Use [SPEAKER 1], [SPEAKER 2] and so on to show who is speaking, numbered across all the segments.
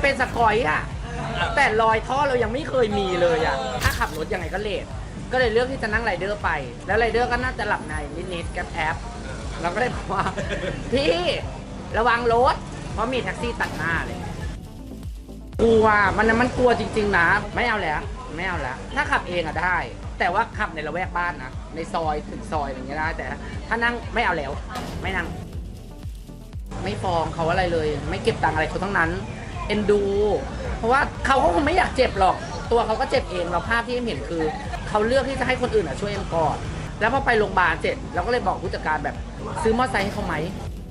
[SPEAKER 1] เป็นสกอยอะแต่รอยท่อเรายังไม่เคยมีเลยอะถ้าขับรถยังไงก็เลทก็เลยเลือกที่จะนั่งไรเดอร์ไปแล้วไรเดอร์ก็น่าจะหลับในนิดๆกับแอปเราก็เลยบอกว่าพี่ระวังรถเพราะมีแท็กซี่ตัดหน้าเลยกลัวมันกลัวจริงๆนะไม่เอาแล้วถ้าขับเองอะได้แต่ว่าขับในละแวกบ้านนะในซอยถึงซอยอย่างเงี้ยได้แต่ถ้านั่งไม่เอาแล้วไม่นั่งไม่ฟ้องเขาอะไรเลยไม่เก็บตังค์อะไรเขาทั้งนั้นเอ็นดูเพราะว่าเขาก็คงไม่อยากเจ็บหรอกตัวเขาก็เจ็บเองเราภาพที่เอ็มเห็นคือเขาเลือกที่จะให้คนอื่นช่วยเอ็มก่อนแล้วพอไปโรงพยาบาลเสร็จเราก็เลยบอกผู้จัดการแบบซื้อมอเตอร์ไซค์ให้เขาไหม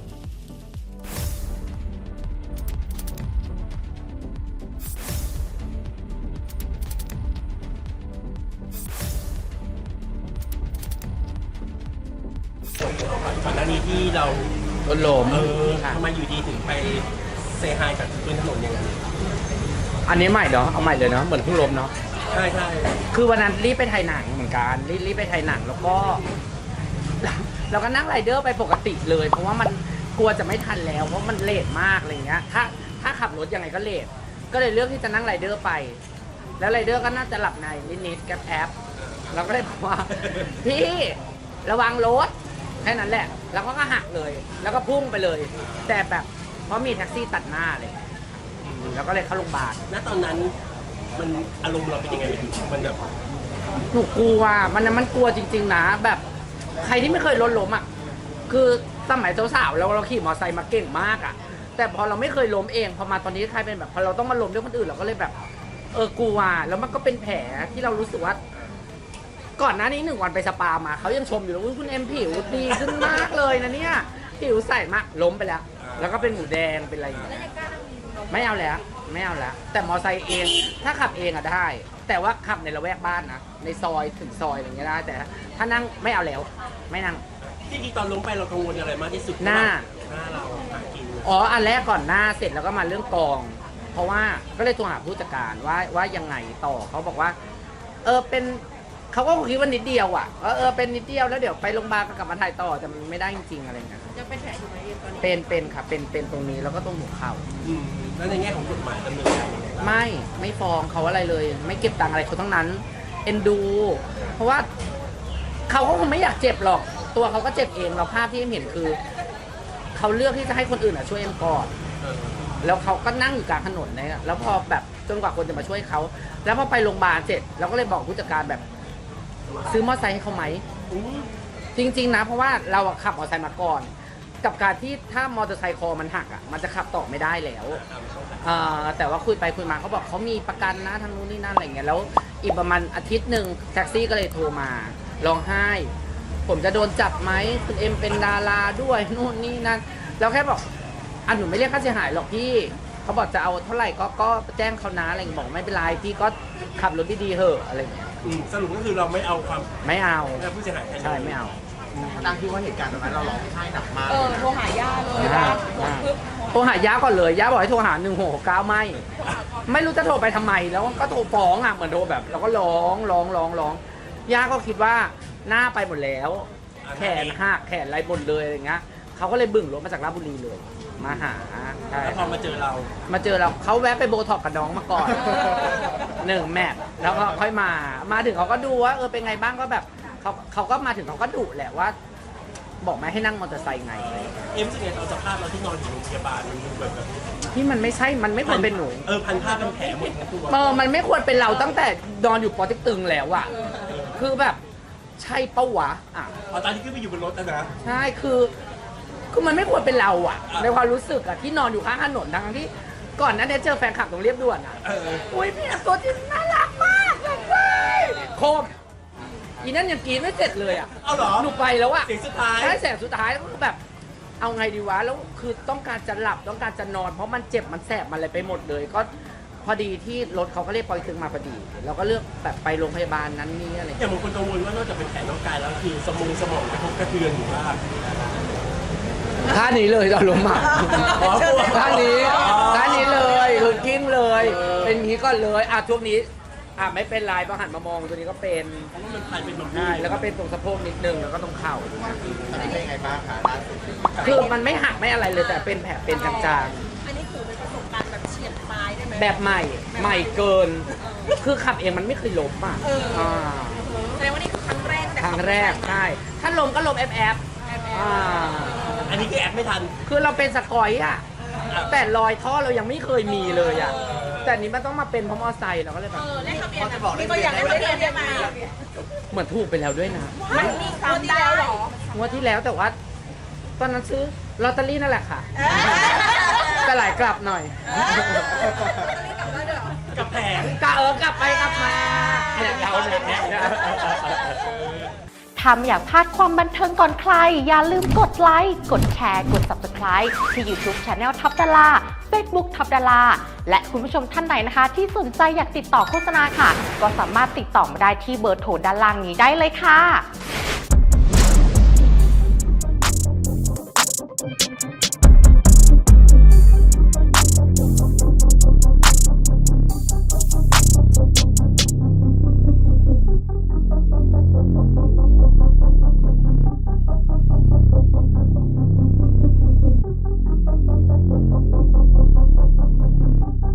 [SPEAKER 2] ก่อนหน้านี้ที่เรา
[SPEAKER 1] ล้ม
[SPEAKER 2] ทำไมอยู่ดีถึงไปเซฮายกับพื้นถนนอย่างนั้น
[SPEAKER 1] อันนี้ใหม่เนาะเอาใหม่เลยเนาะเหมือนเพิ่งล้มเนาะ
[SPEAKER 2] ใช่
[SPEAKER 1] คือวันนั้นรีบไปถ่ายหนังเหมือนกันรีบไปถ่ายหนังแล้วก็เราก็นั่งไรเดอร์ไปปกติเลยเพราะว่ามันกลัวจะไม่ทันแล้วเพราะมันเลทมากอะไรเงี้ยถ้าขับรถยังไงก็เลทก็เลยเลือกที่จะนั่งไรเดอร์ไปแล้วไรเดอร์ก็น่าจะหลับในนิดๆกับแอปเราก็เลยบอกว่าพี่ระวังรถแค่นั้นแหละแล้วก็หักเลยแล้วก็พุ่งไปเลยแต่แบบเพราะมีแท็กซี่ตัดหน้าเลยแล้วก็เลยเข้าโรงพยาบาล
[SPEAKER 2] ณตอนนั้นมันอารมณ์เราเป็นยังไงมันแบบ
[SPEAKER 1] หนูกลัวมันกลัวจริงๆนะแบบใครที่ไม่เคยล้มอ่ะคือสมัยสาวๆเราขี่มอเตอร์ไซค์มาเก่งมากอ่ะแต่พอเราไม่เคยล้มเองพอมาตอนนี้ใครเป็นแบบพอเราต้องมาล้มด้วยคนอื่นเราก็เลยแบบกลัวแล้วมันก็เป็นแผลที่เรารู้สึกว่าก่อนหน้านี้1 วันไปสปามาเขายังชมอยู่เลยคุณเอ็มผิวดีขึ้นมากเลยนะเนี่ยผิวใสมากล้มไปแล้วก็เป็นหมูแดงเป็นอะไรอย่างเงี้ยไม่เอาแล้วแต่มอไซค์เองถ้าขับเองอะได้แต่ว่าขับในละแวกบ้านนะในซอยถึงซอยอย่างเงี้ยได้แต่ถ้านั่งไม่เอาแล้วไม่นั่ง
[SPEAKER 2] ที่ตอนล้มไปเรากังวลอะไรมากที่สุด
[SPEAKER 1] หน้า
[SPEAKER 2] เราหากิน
[SPEAKER 1] อันแรกก่อนหน้าเสร็จแล้วก็มาเรื่องกองเพราะว่าก็เลยโทรหาผู้จัดการว่ายังไงต่อเขาบอกว่าเป็นเขาก็คิดว่านิดเดียวอ่ะเป็นนิดเดียวแล้วเดี๋ยวไปโรงพยาบาลก็กลับมาถ่ายต่อแต่มันไม่ได้จริงๆอะไรเงี้ย
[SPEAKER 3] ยังเป็นแผลอยู่ไหมตอนนี้
[SPEAKER 1] เป็นค่ะเป็นตรงนี้แล้วก็ตรงหัวเข่า
[SPEAKER 2] แล้วในแง่ของกฎหมายดำเนินการ
[SPEAKER 1] ไม่ฟ้องเขาอะไรเลยไม่เก็บตังค์อะไรเขาทั้งนั้นเอ็นดูเพราะว่าเขาก็คงไม่อยากเจ็บหรอกตัวเขาก็เจ็บเองเราภาพที่เอ็มเห็นคือเขาเลือกที่จะให้คนอื่นช่วยเอ็มก่อนแล้วเขาก็นั่งอยู่กลางถนนเนี่ยแล้วพอแบบจนกว่าคนจะมาช่วยเขาแล้วพอไปโรงพยาบาลเสร็จเราก็เลยบอกผู้จัดการแบบซื้อมอเตอร์ไซค์ให้เขาไหมจริงๆนะเพราะว่าเราขับมอเตอร์ไซค์มาก่อนกับการที่ถ้ามอเตอร์ไซค์คอมันหักอ่ะมันจะขับต่อไม่ได้แล้วแต่ว่าคุยไปคุยมาเขาบอกเขามีประกันนะทางนู้นนี่นั่นอะไรเงี้ยแล้วอีกประมาณอาทิตย์หนึ่งแท็กซี่ก็เลยโทรมาร้องไห้ผมจะโดนจับไหมคุณเอ็มเป็นดาราด้วยนู่นนี่นั่นเราแค่บอกหนูไม่เรียกค่าเสียหายหรอกพี่เขาบอกจะเอาเท่าไหร่ก็แจ้งเขานะอะไรบอกไม่เป็นไรพี่ก็ขับรถดีๆเหอะอะไรเงี้ย
[SPEAKER 2] สรุปก็คือเราไม่เอาความ
[SPEAKER 1] ไม่เอา
[SPEAKER 2] ผู้เสียหาย
[SPEAKER 1] ใช่ไม่เอา
[SPEAKER 4] ตั้งที่ว่าเหตุการณ์ตอนนั้นเราร้องไห้หนักมาก
[SPEAKER 3] โทรหาย่าเลย
[SPEAKER 1] โทรหาย่าก่อนเลยย่าบอกให้โทรหา1669ไม่รู้จะโทรไปทำไมแล้วก็โทรฟ้องเหมือนโทรแบบเราก็ร้องย่าก็คิดว่าหน้าไปหมดแล้วแขนหักแขนอะไรหมดเลยอะไรเงี้ยเขาก็เลยบึ่งรถมาจากราชบุรีเลยมาหา
[SPEAKER 2] แล้วพอมาเจอเรา
[SPEAKER 1] เขาแวะไปโบท็อกกับน้องมาก่อน1 แมตช์แล้วก็ค่อยมาถึงเขาก็ดูว่าเป็นไงบ้างก็แบบเขาก็มาถึงเขาก็ดุแหละว่าบอกไม่ให้นั่งมอเตอร์ไซค์ไง
[SPEAKER 2] รู้สึกไงตอนสภาพเราที่นอนอยู่โรงพยาบาลมันดูแบบ
[SPEAKER 1] ที่มันไม่ใช่มันไม่ควรเป็นหนู
[SPEAKER 2] พันผ้าเป็นแผลหมดทั้งตัว
[SPEAKER 1] มันไม่ควรเป็นเราตั้งแต่นอนอยู่ปอติ๊กตึงแล้วอะคือแบบใช่เป้าวะ
[SPEAKER 2] ตอนที่ขึ้นไปอยู่บนรถนะ
[SPEAKER 1] ใช่คือมันไม่ควรเป็นเราอะในความรู้สึกอะที่นอนอยู่ข้างถนนทั้งที่ก่อนนั้นเนี่ยเจอแฟนคลับตรงเรียบด่วนอะอุ้ยพี่ตัวจริงน่ารักมากเลยโคมอีนั่นยังกินไม่เสร็จเลยอะ
[SPEAKER 2] เอาเหรอ
[SPEAKER 1] หนูไปแล้วอะ
[SPEAKER 2] เสียงสุดท้าย
[SPEAKER 1] ใช่เสียงสุดท้ายแล้วก็แบบเอาไงดีวะแล้วคือต้องการจะหลับต้องการจะนอนเพราะมันเจ็บมันแสบมันอะไรไปหมดเลยก็พอดีที่รถเขาก็เรียกปอยตึงมาพอดีเราก็เลือกแบบไปโรงพยาบาลนั้นนี่อะไร
[SPEAKER 2] อย่างบางคนกังวลว่านอกจากเป็นแผลร่างกายแล้วคือสมองกระทบกระเทือนอยู่ว่า
[SPEAKER 1] ท่านี้เลยตอนล้มอ่ะท่านี้เลยคือกิ้งเลยเป็นนี้ก็เลยช่วงนี้ไม่เป็นไรพอหันมามองตัวนี้ก็เป็น
[SPEAKER 2] เพราะว่ามันพันเป็นแบบ
[SPEAKER 1] ใช่แล้วก็เป็นตรงสะโพกนิดนึงแล้วก็ตรงเข่า
[SPEAKER 4] อันนี้เป็นยังไงบ้างคะ
[SPEAKER 1] คือมันไม่หักไม่อะไรเลยแต่เป็นแผลเป็นจาง
[SPEAKER 3] ๆอันนี้ถือเป็นประสบการณ์แบบเฉียดตายได้ไหม
[SPEAKER 1] แบบใหม่ใหม่เกิน คือขับเองมันไม่เคยล้มอ่ะา
[SPEAKER 3] แสดงว่านี่คือครั้งแรก
[SPEAKER 1] ครั้งแรกใช่ถ้าล้มก็ล้มแอบ
[SPEAKER 2] อันนี้คือแอปไม่ทัน
[SPEAKER 1] คือเราเป็นสกอยอ่ะแต่รอยท่อเรายังไม่เคยมีเลยอ่ะแต่นี้มันต้องมาเป็นเพราะมอไซค์เราก็เลยแบบ
[SPEAKER 3] เลขทะเบียนนี่ก็อยากได้เลขทะเบียนได้ไหม
[SPEAKER 1] เหมือนถูกไปแล้วด้วยนะ
[SPEAKER 3] มันมีซ้ำได้หรอง
[SPEAKER 1] วดที่แล้วแต่ว่าตอนนั้นซื้อลอตเตอรี่นั่นแหละค่ะแต่หลายกลับหน่อย
[SPEAKER 2] กับแผง
[SPEAKER 1] กลับไปกลับมาเนี่ยเราเนี่ย
[SPEAKER 5] ถ้าไม่อยากพลาดความบันเทิงก่อนใคร อย่าลืมกดไลค์ กดแชร์ กด Subscribe ที่ YouTube Channel ท็อปดารา Facebook ท็อปดาราและคุณผู้ชมท่านไหนนะคะ ที่สนใจอยากติดต่อโฆษณาค่ะ ก็สามารถติดต่อมาได้ที่เบอร์โทรด้านล่างนี้ได้เลยค่ะ